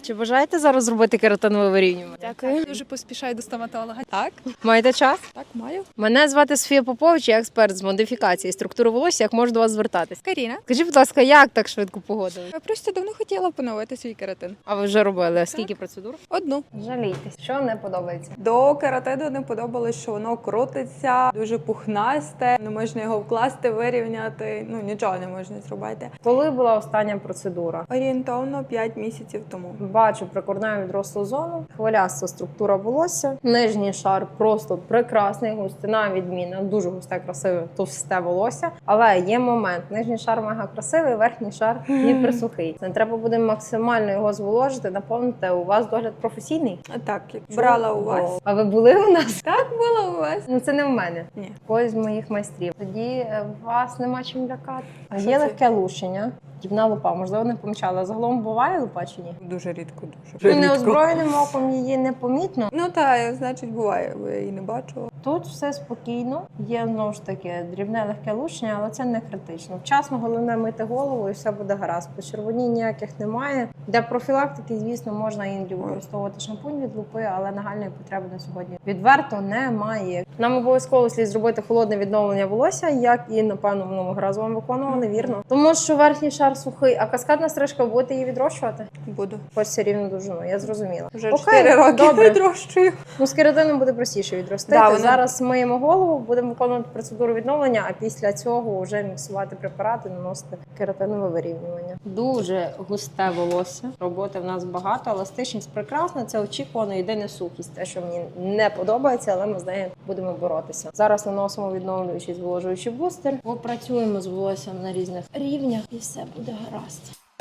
Чи бажаєте зараз зробити кератинове вирівнювання? Дякую. Дуже поспішаю до стоматолога. Так, Маєте час? так, маю. Мене звати Софія Попович, я експерт з модифікації структури волосся. Як можу до вас звертатись? Каріна. Скажіть, будь ласка, як так швидко погодили? Я просто давно хотіла поновити свій кератин. А ви вже робили? Скільки процедур? Одну. Жалійтесь, що не подобається? До кератину не подобалось, що воно крутиться, дуже пухнасте, не можна його вкласти, вирівняти, нічого не можна зробити. Коли була остання процедура? Орієнтовно 5 місяців тому. Бачу прикорневу відрослу зону, хвиляста структура волосся, нижній шар просто прекрасний, густина відмінна, дуже густе, красиве, товсте волосся. Але є момент, нижній шар мега красивий, верхній шар не присухий. Це треба буде максимально його зволожити, наповнити. У вас догляд професійний? Так, як брала у вас. А ви були у нас? Так було у вас. Ну це не в мене. Ні. Когось з моїх майстрів. Тоді вас нема чим лякати. А що Є це? легке лущення, дрібна лупа, можливо, не помічали. Загалом буває лупа чи ні? Дуже рідко, дуже Ну, рідко. неозброєним оком її не помітно. Ну так, значить буває, бо я її не бачила. Тут все спокійно, є знову ж таки дрібне легке лущення, але це не критично. Вчасно головне мити голову і все буде гаразд. Почервонінь ніяких немає. Для профілактики, звісно, можна іноді використовувати шампунь від лупи, але нагальної потреби на сьогодні відверто немає. Нам обов'язково слід зробити холодне відновлення волосся, як і, напевно, минулого разу вам виконували, вірно. Тому що верхній шар сухий, а каскадна стрижка, будете її відрощувати? Буду. Хочеться рівну довжину, я зрозуміла. Вже Окей, 4 роки добре. відрощую. Ну, з кератином буде простіше відростити. Да, вона- Зараз миємо голову, будемо виконувати процедуру відновлення, а після цього вже міксувати препарати, наносити кератинове вирівнювання. Дуже густе волосся. Роботи в нас багато, еластичність прекрасна. Це очікувано, єдине сухість. Те, що мені не подобається, але ми з нею будемо боротися. Зараз наносимо відновлюючий зволожуючий бустер. Попрацюємо з волоссям на різних рівнях і все буде гаразд.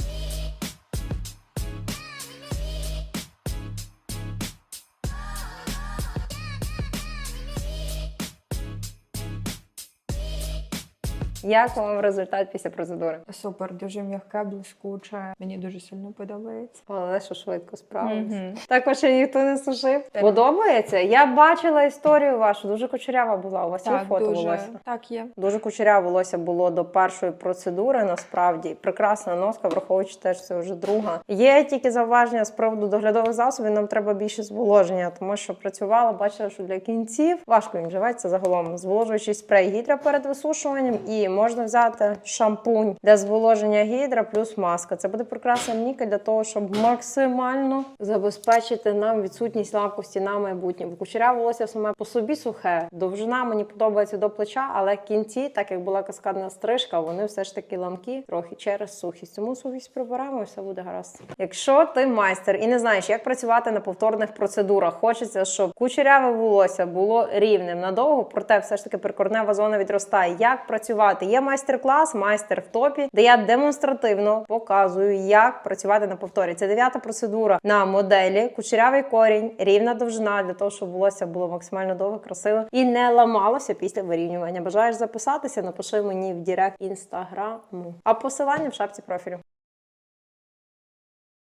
Як вам результат після процедури? Супер, дуже м'яке, блискуче. Мені дуже сильно подобається. Але що швидко справилась. Мгм. Також ще ніхто не сушив. Подобається? Я бачила історію вашу, дуже кучерява була. У вас є фото волосся? Так, є. Дуже кучеряве волосся було до першої процедури, насправді. Прекрасна носка, враховуючи те, що це вже друга. Є тільки зауваження з приводу доглядових засобів, нам треба більше зволоження, тому що працювала, бачила, що для кінців важко їм живеться загалом. Зволожуючий спрей гідра перед висушуванням і можна взяти шампунь для зволоження гідра плюс маска. Це буде прекрасна лінійка для того, щоб максимально забезпечити нам відсутність ламкості на майбутнє. Бо кучеряве волосся саме по собі сухе. Довжина мені подобається до плеча, але кінці, так як була каскадна стрижка, вони все ж таки ламкі трохи через сухість. Тому сухість прибираємо і все буде гаразд. Якщо ти майстер і не знаєш, як працювати на повторних процедурах, хочеться, щоб кучеряве волосся було рівним надовго, проте все ж таки прикорнева зона відростає. Як працювати? Є майстер-клас, майстер в топі, де я демонстративно показую, як працювати на повторі. Це 9-та процедура на моделі, кучерявий корінь, рівна довжина, для того, щоб волосся було максимально довге, красиве і не ламалося після вирівнювання. Бажаєш записатися? Напиши мені в директ інстаграму. А посилання в шапці профілю.